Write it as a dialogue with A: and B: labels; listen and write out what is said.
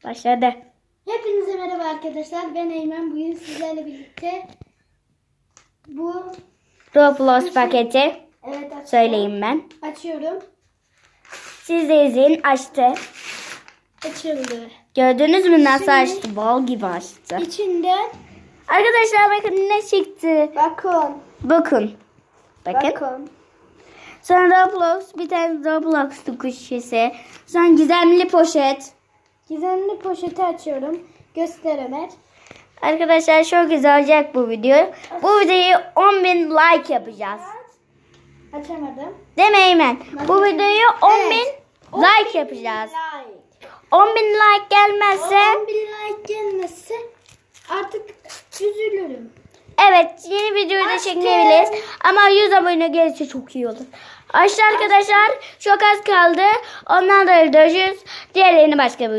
A: Başladı.
B: Hepinize merhaba arkadaşlar. Ben Eymen. Bugün sizlerle birlikte bu
A: Roblox paketi.
B: evet açıyorum.
A: Söyleyeyim ben.
B: Açıyorum.
A: Siz de izleyin. Açtı.
B: Açıldı.
A: Gördünüz mü nasıl
B: Şimdi-
A: açtı? Bal gibi açtı.
B: İçinden
A: Arkadaşlar bakın ne çıktı.
B: bakın.
A: Bakın. Bakın.
B: Bakın.
A: Sonra Roblox. Bir tane Roblox kuş şişesi. Sonra gizemli poşet.
B: Gizemli poşeti açıyorum. Göster Ömer.
A: Arkadaşlar çok güzel olacak bu video. Bu videoyu 10.000 like yapacağız.
B: Açamadım.
A: Değil mi Eymen? Bu videoyu 10.000
B: Evet.
A: like yapacağız.
B: Like.
A: 10.000 like gelmezse
B: 10.000 like gelmezse artık üzülürüm.
A: evet yeni videoyu da
B: Açtım.
A: çekebiliriz. Ama 100 abone gelirse çok iyi olur. Arkadaşlar çok az kaldı. Ondan da görüşürüz. Diğerlerini başka bir